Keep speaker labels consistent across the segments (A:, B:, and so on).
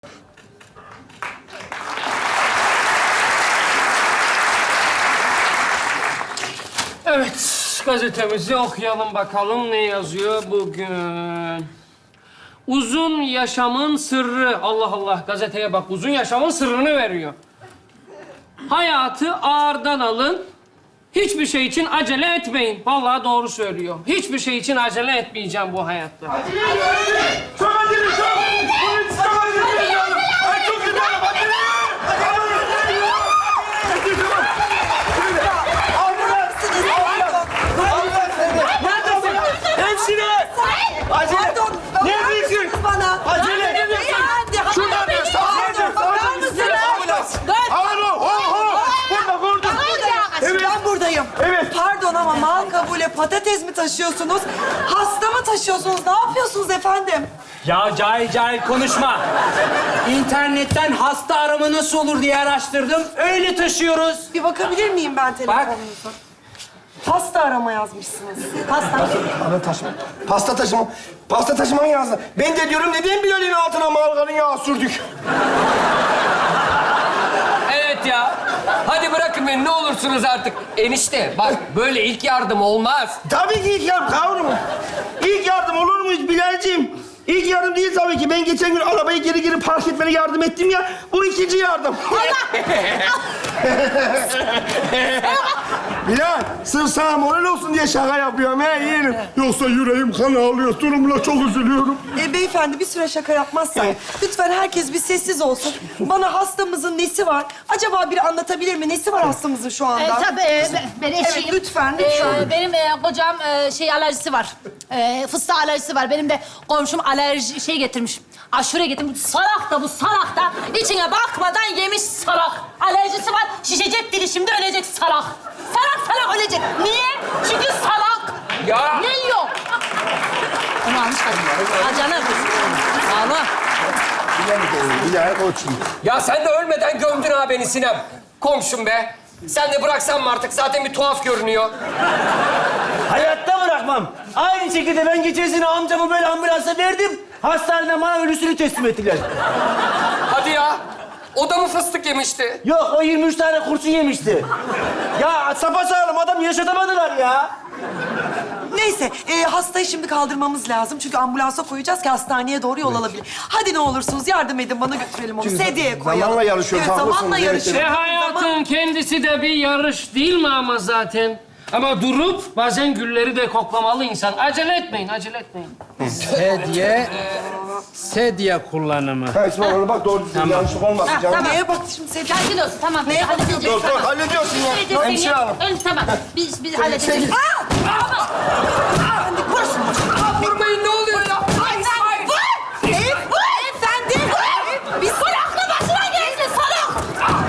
A: Evet, gazetemizi okuyalım bakalım ne yazıyor bugün. Uzun yaşamın sırrı. Allah Allah, gazeteye bak. Uzun yaşamın sırrını veriyor. Hayatı ağırdan alın. Hiçbir şey için acele etmeyin. Vallahi doğru söylüyor. Hiçbir şey için acele etmeyeceğim bu hayatta.
B: Çok acele, çok! Polis, çok acele! Ay çok kötü, acele! Hemşire! Acele! Neredesin?
C: Bana.
B: Acele! Şuradan da
C: Bakar mısınız?
B: Alo! Burada! Evet.
C: Ben buradayım.
B: Evet.
C: Pardon ama mal kabule patates mi taşıyorsunuz? Hasta mı taşıyorsunuz? Ne yapıyorsunuz efendim?
D: Ya cahil cahil konuşma. İnternetten hasta arama nasıl olur diye araştırdım. Öyle taşıyoruz.
C: Bir bakabilir miyim ben telefonunuza? Hasta arama yazmışsınız. Hasta.
B: Pasta taşıma. Pasta taşıma yazdı. Ben de diyorum neden Bilal'in altına margarin yağı sürdük?
E: Evet ya. Hadi bırakın beni ne olursunuz artık. Enişte bak böyle ilk yardım olmaz.
B: Tabii ki ilk yardım kavrum. İlk yardım olur mu hiç Bilal'ciğim? İlk yardım değil tabii ki. Ben geçen gün arabayı geri park etmene yardım ettim ya. Bu ikinci yardım. Bilal, sırf sana moral olsun diye şaka yapıyorum he yeğenim. Yoksa yüreğim kan ağlıyor. Durumla çok üzülüyorum.
C: Beyefendi bir süre şaka yapmazsak lütfen herkes bir sessiz olsun. Bana hastamızın nesi var? Acaba biri anlatabilir mi? Nesi var hastamızın şu anda?
F: Tabii ben eşiyim.
C: Evet, lütfen.
F: Benim kocam şey alerjisi var. Fıstığa alerjisi var. Benim de komşum alerji şey getirmiş. Aşure getirmiş. Salak da bu salak da içine bakmadan yemiş salak. Alerjisi var. Şişecek dili şimdi ölecek salak. Salak ölecek. Niye? Çünkü salak.
E: Ya.
F: Ne yiyor? Onu almış kadın. Ha canım. Allah.
B: Bilal koçum.
E: Ya sen de ölmeden gömdün ha beni Sinem. Komşum be. Sen de bıraksan mı artık? Zaten bir tuhaf görünüyor.
D: Hayatta bırakmam. Aynı şekilde ben geçen sene amcamı böyle ambulansa verdim. Hastaneden bana ölüsünü teslim ettiler.
E: Hadi ya. O da mı fıstık yemişti?
D: Yok, o 23 tane kurşun yemişti. Ya sapasağlam adam yaşatamadılar ya.
C: Neyse, hastayı şimdi kaldırmamız lazım. Çünkü ambulansa koyacağız ki hastaneye doğru yol alabilir. Hadi ne olursunuz yardım edin, bana götürelim onu. Sedyeye koyalım.
B: zamanla yarışıyoruz,
C: Evet,
B: haklısınız,
C: zamanla
B: evet,
C: yarışıyoruz.
A: Hayatın kendisi de bir yarış değil mi ama zaten? Ama durup bazen gülleri de koklamalı insan. Acele etmeyin, acele etmeyin.
D: Sedye kullanımı.
B: Ha İsmail ona bak doğru düzgün yanlışlık olmasın canım.
F: tamam.
C: Neye baktı şimdi Sedye?
F: Sakin olsun tamam.
C: Neye
F: halledeceğiz.
B: Dur dur hallediyorsun ya.
F: Halledeceğiz seni.
B: Hemşire hanım.
F: Tamam. Biz halledeceğiz.
E: Vurmayın ne oluyor ya?
C: Beyefendi!
F: Bir salaklı başına gelsin salak.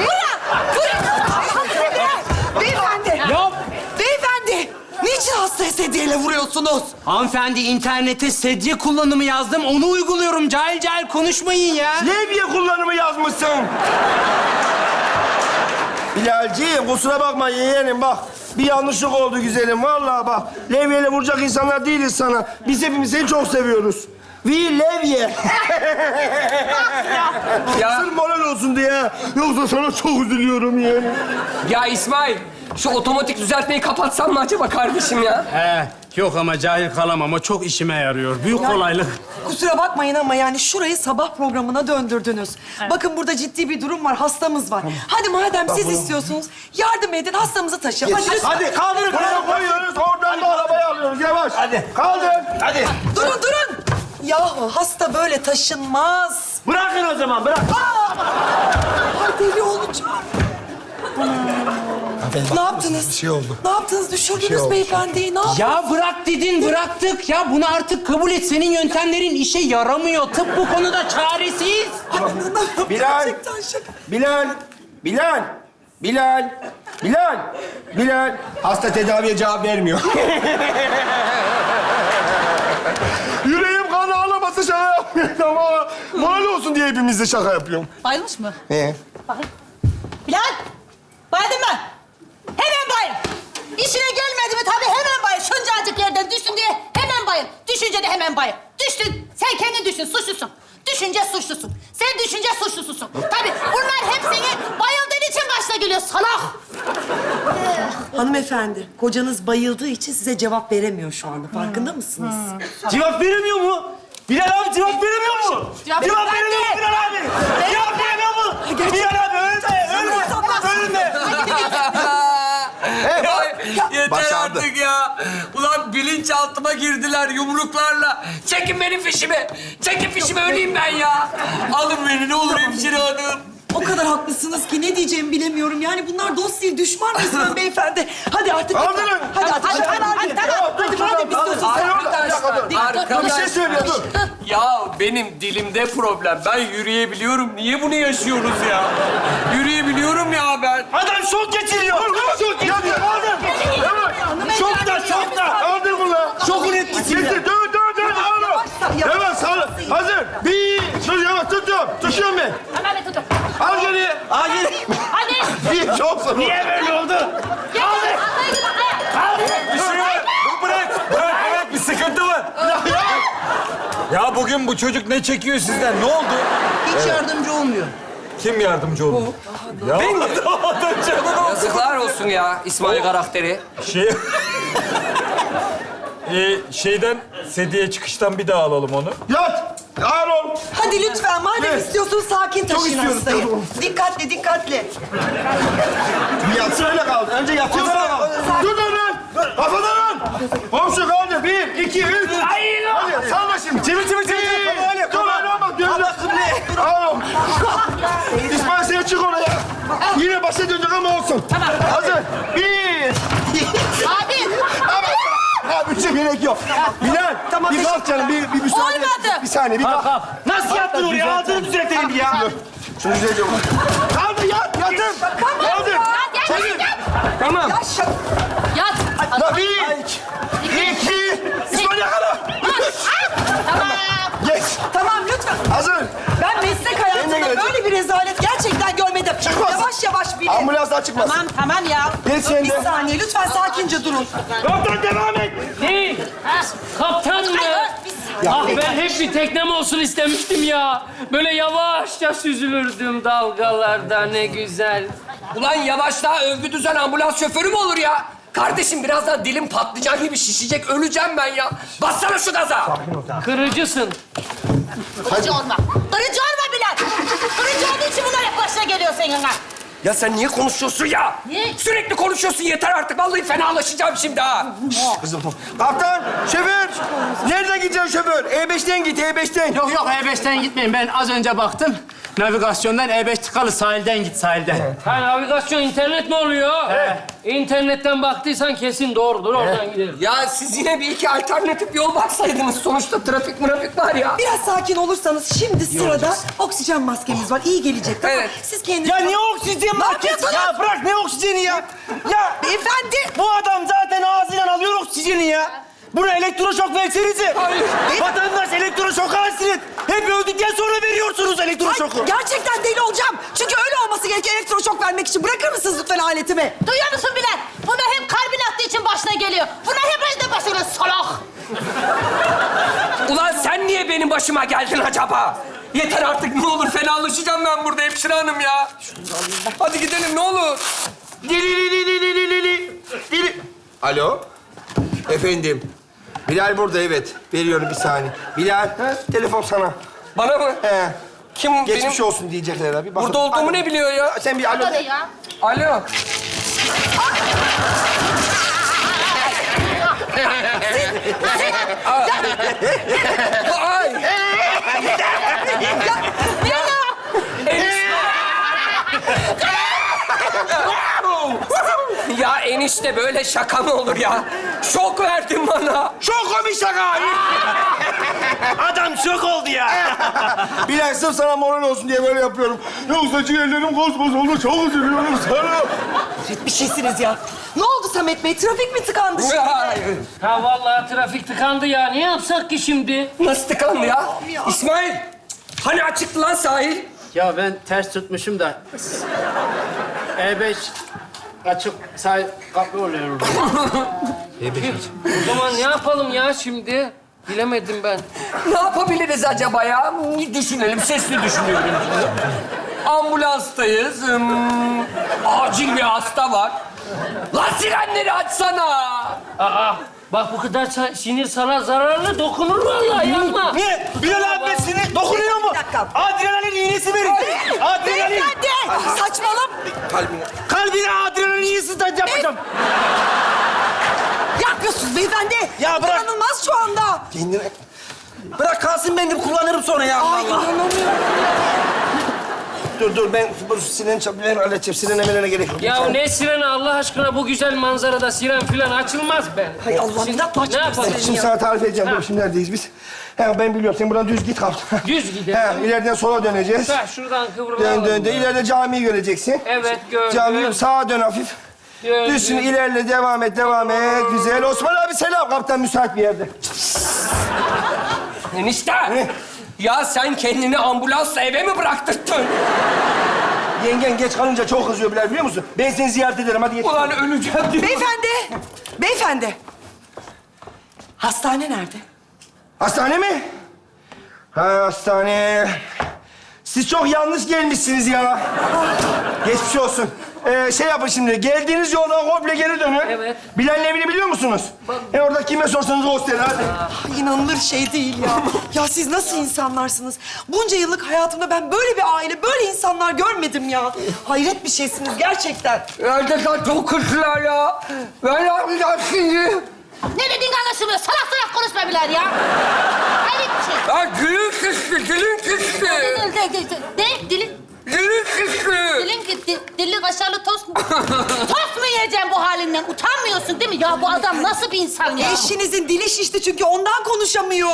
C: Beyefendi!
D: Yok.
C: Beyefendi! Niçin hastaya sedyeyle vuruyorsunuz?
D: Hanımefendi internete sedye kullanımı yazdım. Onu uyguluyorum. Cahil cahil konuşmayın ya.
B: Levye kullanımı yazmışsın. Bilalciğim kusura bakma yeğenim bak. Bir yanlışlık oldu güzelim vallahi bak. Levyeyle vuracak insanlar değiliz sana. Biz hepimiz seni çok seviyoruz. We levye.
E: Ya,
B: Sırf moral olsun diye. Yoksa sana çok üzülüyorum yeğenim.
E: ya İsmail, şu otomatik düzeltmeyi kapatsan mı acaba kardeşim ya?
D: Yok ama cahil kalamam. O çok işime yarıyor. Büyük kolaylık.
C: Kusura bakmayın ama yani şurayı sabah programına döndürdünüz. Bakın burada ciddi bir durum var, hastamız var. Hadi madem siz istiyorsunuz, yardım edin, hastamızı taşıyın. Hadi lütfen.
B: Hadi kaldırın. Buraya koyuyoruz. Oradan da arabayı alıyoruz. Yavaş. Hadi. Kaldır. Hadi.
C: Durun! Yahu hasta böyle taşınmaz.
D: Bırakın o zaman, bırak.
C: Ay deli olacağım. Ne yaptınız? Bir şey oldu. Ne yaptınız? Düşürdünüz beyefendiyi. Ne yaptınız?
D: Ya bırak dedin, bıraktık. Ya bunu artık kabul et. Senin yöntemlerin işe yaramıyor. Tıp bu konuda çaresiz.
B: Bilal.
C: Gerçekten şaka.
B: Bilal. Hasta tedaviye cevap vermiyor. Yüreğim kan ağlaması şaka yapmıyorum ama moral olsun diye hepimiz de şaka yapıyorum.
F: Bayılmış mı?
B: Bakın.
F: Bilal! Bayıldın mı? Hemen bayıl. İşine gelmedi mi tabii hemen bayıl. Şuncacık yerden düştün diye hemen bayıl. Düşünce de hemen bayıl. Düştün. Sen kendin düşün. Suçlusun. Düşünce suçlusun. Sen düşünce suçlususun. Tabii bunlar hep seni bayıldığın için başına geliyor salak.
C: Hanımefendi, kocanız bayıldığı için size cevap veremiyor şu anda. Farkında mısınız?
D: Cevap veremiyor mu? Bilal abi cevap veremiyor mu?
F: Cevap
D: veremiyor mu Bilal abi? Cevap veremiyor mu? Bilal abi ölme.
E: Yeter
G: Başardı.
E: artık ya. Ulan bilinçaltıma girdiler yumruklarla. Çekin benim fişimi. Çekin fişimi öleyim ben ya. Alın beni ne olur hemşire hanım.
C: O kadar haklısınız ki ne diyeceğimi bilemiyorum. Yani bunlar dost değil, düşman resmen beyefendi. Hadi artık.
B: Kaldırın.
C: Hadi madem istiyorsun sen.
E: Arkadaş.
B: Bir şey söylüyor, dur.
E: Ya benim dilimde problem. Ben yürüyebiliyorum. Niye bunu yaşıyoruz ya? Yürüyebiliyorum ya ben.
D: Adam şok geçiriyor.
B: Şok geçiriyor.
D: Şokta.
B: Kaldır bunu.
D: Şokun etkisiyle.
B: Gitti. Dur. Yavaş sağ. Hazır. Bir. Dur yavaş tutuyorum. Tutuyorum ben.
F: Hemen bir tutun.
B: Al geri.
D: Hadi.
F: Hadi.
B: Bir. Çok zor.
D: Niye böyle oldu?
H: Bir şey var. Bırak. Bir sıkıntı var. Ya bugün bu çocuk ne çekiyor sizden? Ne oldu?
C: Hiç yardımcı olmuyor.
H: Kim yardımcı oldu? Ya
E: Ben mi? Yazıklar olsun ya İsmail karakteri.
H: şey... şeyden, sediye çıkıştan bir daha alalım onu.
B: Yat. Ağır ol.
C: Hadi lütfen madem istiyorsun sakin taşıyın
B: istiyorum,
C: hastayı.
B: tamam.
C: Dikkatli.
B: Bir yatsın öyle kaldı. Önce yatıyorsun. Dur lan. Kafadan lan. Komşu kaldı. Bir, iki, üç. Hadi salla şimdi. Çevir. Dur öyle olmaz. Allah kıble. Ağır ol. İsmail sen çık oraya. Yine başa dönecek ama olsun. Hazır. Bir.
F: Hadi.
B: Ha, bir şey gerek yok. Bilal, bir kalk canım, bir müsaade.
F: Olmadı.
B: Bir saniye, bir kalk.
D: Nasıl yaptın oraya? Ağzını düzeltelim bir ya.
B: Şunu düzelteceğim. Kaldır, yatın. Kaldır.
F: Gel.
A: Tamam.
F: Yat.
B: La bir, iki, İsmail yakala.
F: Tamam.
B: Geç.
C: Tamam lütfen.
B: Hazır.
C: Ben meslek
B: Kendine
C: hayatımda
B: gelecek.
C: böyle bir rezalet gerçekten görmedim.
B: Çıkmaz.
C: Yavaş bilin.
B: Ambulans daha çıkmaz.
C: Tamam ya.
B: Geç sen de.
C: Bir saniye lütfen sakince durun.
B: Kaptan devam et.
A: Değil. Kaptan mı? Ah ben hep bir teknem olsun istemiştim ya. Böyle yavaşça süzülürdüm dalgalarda ne güzel.
E: Ulan yavaş daha övgü düzen ambulans şoförü mü olur ya? Kardeşim birazdan dilim patlıcan gibi şişecek. Öleceğim ben ya. Bassana şu gaza.
A: Kırıcısın.
F: Kırıcı olma. Kırıcı olma Bilal. Kırıcı olduğu için bunlar hep başına geliyor senin ha.
E: Ya sen niye konuşuyorsun ya?
F: Niye?
E: Sürekli konuşuyorsun yeter artık. Vallahi fenalaşacağım şimdi ha.
B: Kaptan, şoför. Nereden gideceksin şoför? E5'ten git, E5'ten.
D: Yok E5'ten gitmeyin. Ben az önce baktım. Navigasyondan E5 tıkalı sahilden git sahilden.
A: Ha navigasyon internet mi oluyor? İnternetten baktıysan kesin doğrudur oradan gidelim.
E: Ya siz yine bir iki alternatif yol baksaydınız. Sonuçta trafik var ya.
C: Biraz sakin olursanız şimdi sırada oksijen maskemiz var. İyi gelecek tamam.
E: Evet.
C: Siz kendiniz...
D: Ya niye oksijen market?
C: yapıyorsunuz?
D: Ya bırak ne oksijeni ya? Ya
C: Beyefendi.
D: bu adam zaten ağzıyla alıyor oksijeni ya. Buna elektroşok versenize. Vatandaş elektroşoka hasret. Hep öldükten sonra veriyorsunuz elektroşoku.
C: Ay, gerçekten deli olacağım. Çünkü öyle olması gerekiyor elektroşok vermek için. Bırakır mısınız lütfen aletimi?
F: Duyuyor musun Bilal? Bunlar hep kalbin attığı için başına geliyor. Bunlar hep başına geliyor salak.
E: Ulan sen niye benim başıma geldin acaba? Yeter artık ne olur fenalaşacağım ben burada hemşire hanım ya. Hadi gidelim ne olur.
B: Dili. Alo. Efendim. Bilal burada evet. Veriyorum bir saniye. Bilal, telefon sana.
E: Bana mı?
B: He.
E: Kim
B: Geçmiş
E: benim
B: olsun diyecekler abi. Bakın.
E: burada olduğumu
B: Alo.
E: ne biliyor ya?
B: Sen bir alo
F: Hadi
B: de.
F: ya.
E: Alo. Ay. Ya enişte böyle şaka mı olur ya? Şok verdin bana.
B: Çok komik şaka.
D: Adam şok oldu ya.
B: Bilal sırf sana moral olsun diye böyle yapıyorum. Yoksa ciğerlerim kosmos oldu. Çok üzülüyorum sana.
C: Bir şeysiniz ya. Ne oldu Samet Bey? Trafik mi tıkandı şimdi?
E: Hayır.
A: Ha vallahi trafik tıkandı ya. Ne yapsak ki şimdi?
E: Nasıl tıkandı ya? İsmail, hani açıktı lan sahil?
I: Ya ben ters tutmuşum da E5 açık sahil kapı oluyor.
A: O zaman ne yapalım ya şimdi? Bilemedim ben.
E: Ne yapabiliriz acaba ya? Düşünelim, sesli düşünüyorum. Ambulanstayız. Acil bir hasta var. Lan sirenleri açsana!
A: Aa, bak bu kadar sinir sana zararlı, dokunur vallahi, yapma.
D: Niye? Bilal abi ben sinir dokunuyor mu?
C: Bir dakika.
D: Adrenalin iğnesi verin. Adrenalin.
C: Beyefendi! Saçmalama!
D: Kalbine adrenalin iğnesi yapacağım.
C: Ne yapıyorsunuz beyefendi?
D: Ya bırak.
C: İnanılmaz şu anda.
D: Kendine... Bırak kalsın, ben de kullanırım sonra ya.
C: Ay inanamıyorum.
B: Dur ben bu siren ben halledeceğim. Sirene merene gerek yok.
A: Ya ne sireni Allah aşkına, bu güzel manzarada siren falan açılmaz be.
C: Hay Allah'ım
A: Şimdi
C: inatla
A: ne yapalım?
B: Şimdi sana tarif edeceğim.
A: Ha.
B: Dur şimdi neredeyiz biz? He, ben biliyorum. Sen buradan düz git kal.
A: Düz gidelim.
B: He, ileriden sola döneceğiz.
A: Ha, şuradan kıvrılalım.
B: Dön. İleride camiyi göreceksin.
A: Evet, gördüm.
B: Camiyi sağa dön hafif.
A: Gördüm.
B: Düz şimdi ilerle, devam et. Güzel. Osman abi selam. Kaptan müsait bir yerde.
E: Enişte! Ya sen kendini ambulansla eve mi bıraktırttın?
B: Yengen geç kalınca çok kızıyor Bilal, biliyor musun? Ben seni ziyaret ederim. Hadi geç.
E: Ulan öleceğim diyor.
C: Beyefendi. Hastane nerede?
B: Hastane mi? Ha, hastane. Siz çok yanlış gelmişsiniz ya. Geçmiş olsun. Şey yapın şimdi, geldiğiniz yoldan komple geri dönün.
A: Evet.
B: Bilal'in evini biliyor musunuz? Orada kime sorsanız gösterin hadi.
C: Ay, İnanılır şey değil ya. Ya siz nasıl insanlarsınız? Bunca yıllık hayatımda ben böyle bir aile, böyle insanlar görmedim ya. Hayret bir şeysiniz gerçekten.
E: Gerçekten çok kötüler ya. Ben yapmayacağım şimdi.
F: Ne dediğin anlaşılmıyor. Salak salak konuşma Bilal ya. Hayret bir şey.
E: Ya dilin şişti, dilin şişti.
F: Ne? Dilin?
E: Dilin şişti.
F: Dilin gitti. Dilli kaşarlı tost mu? Tost mu yiyeceğim bu halinden? Utanmıyorsun değil mi? Ya bu adam nasıl bir insan ya?
C: Eşinizin dili şişti çünkü ondan konuşamıyor.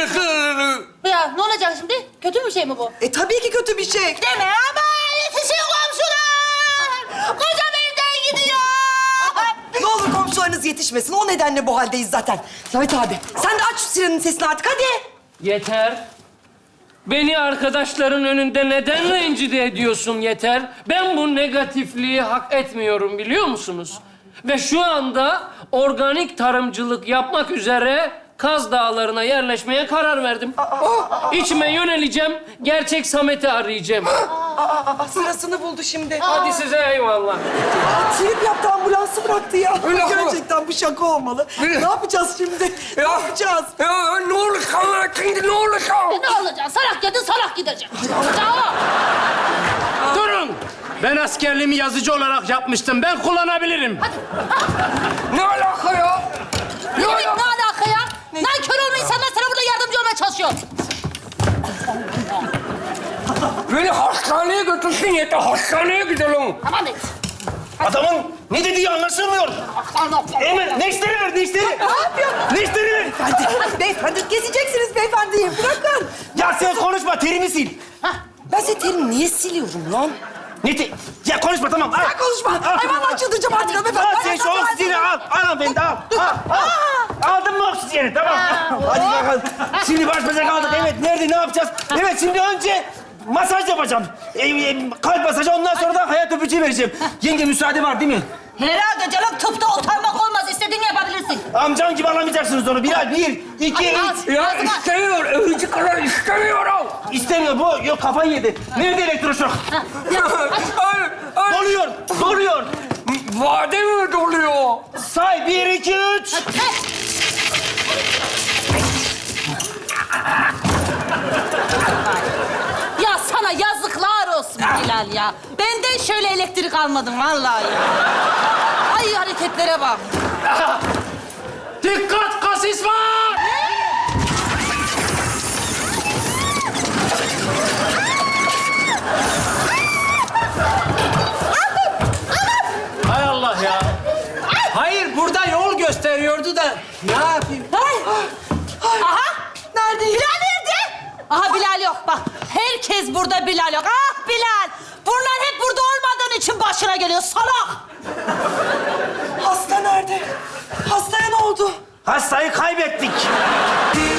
F: Ya ne olacak şimdi? Kötü bir şey mi bu?
C: Tabii ki kötü bir şey.
F: Deme ama yetişin komşular. Kocam evden gidiyor.
C: Ne olur komşularınız yetişmesin. O nedenle bu haldeyiz zaten. Samet abi sen de aç şu sirenin sesini artık hadi.
A: Yeter. Beni arkadaşların önünde neden rencide ediyorsun yeter? Ben bu negatifliği hak etmiyorum, biliyor musunuz? Ve şu anda organik tarımcılık yapmak üzere Kaz Dağları'na yerleşmeye karar verdim. İçime yöneleceğim, gerçek Samet'i arayacağım.
C: Sırasını buldu şimdi.
A: Hadi size eyvallah.
C: Trip yaptı, ambulansı bıraktı ya.
E: Öyle mi?
C: Gerçekten bu şaka olmalı. Ne yapacağız şimdi? Ne yapacağız?
E: Ya ne olur sana şimdi, ne olur sana?
F: Ne olacak? Salak yedin, salak gidecek. Tamam.
I: Durun. Ben askerliğimi yazıcı olarak yapmıştım. Ben kullanabilirim.
E: Ne alaka ya?
F: Ne alaka ya? Nankör olma insanlar sana burada yardımcı olmaya çalışıyor.
E: Beni hastaneye götürsün yeter, hastaneye gidelim.
F: Tamam et.
D: Adamın ne dediği anlaşılmıyor. Hemen neşteri ver, neşteri.
C: Ne yapıyor?
D: Neşteri ver.
C: Beyefendi gezeceksiniz beyefendiyi. Bırakın.
D: Ya sen konuşma, terimi sil.
C: Ben senin terini niye siliyorum lan?
D: Ya konuşma, tamam.
C: Sen konuşma. Ay vallahi çıldıracağım artık hanımefendi.
D: Al sen şu oksijeni al. Al ben de al. Al. Aldın mı oksijeni? Tamam. Hadi bakalım. Şimdi baş başa kaldık. Evet, nerede, ne yapacağız? Evet, şimdi önce masaj yapacağım. Kalp masajı, ondan sonra da hayat öpücüğü vereceğim. Yenge müsaade var değil mi?
F: Herhalde canım, tıpta utanmak olmaz. İstediğini yapabilirsin.
D: Amcam gibi alamayacaksınız onu. Bilal, 1, 2, 3.
E: Ya istemiyor, övücü kadar istemiyorum.
D: İstemiyor bu. Yok, kafayı yedi. Nerede elektroşok? Doluyor, doluyor.
E: Vade mi doluyor?
D: Say, 1, 2, 3.
F: Ya sana yazıklar olsun Bilal ya. Benden şöyle elektrik almadın vallahi ya. Ay hareketlere bak.
I: Dikkat, kasis var! Hay Allah ya. Hayır, burada yol gösteriyordu da ne yapayım?
F: Aha! Nerede? Bilal nerede? Aha Bilal yok bak. Herkes burada, Bilal yok. Ah Bilal! Bunlar hep burada olmadığın için başına geliyor salak.
C: Hasta nerede? Hastaya ne oldu?
D: Hastayı kaybettik.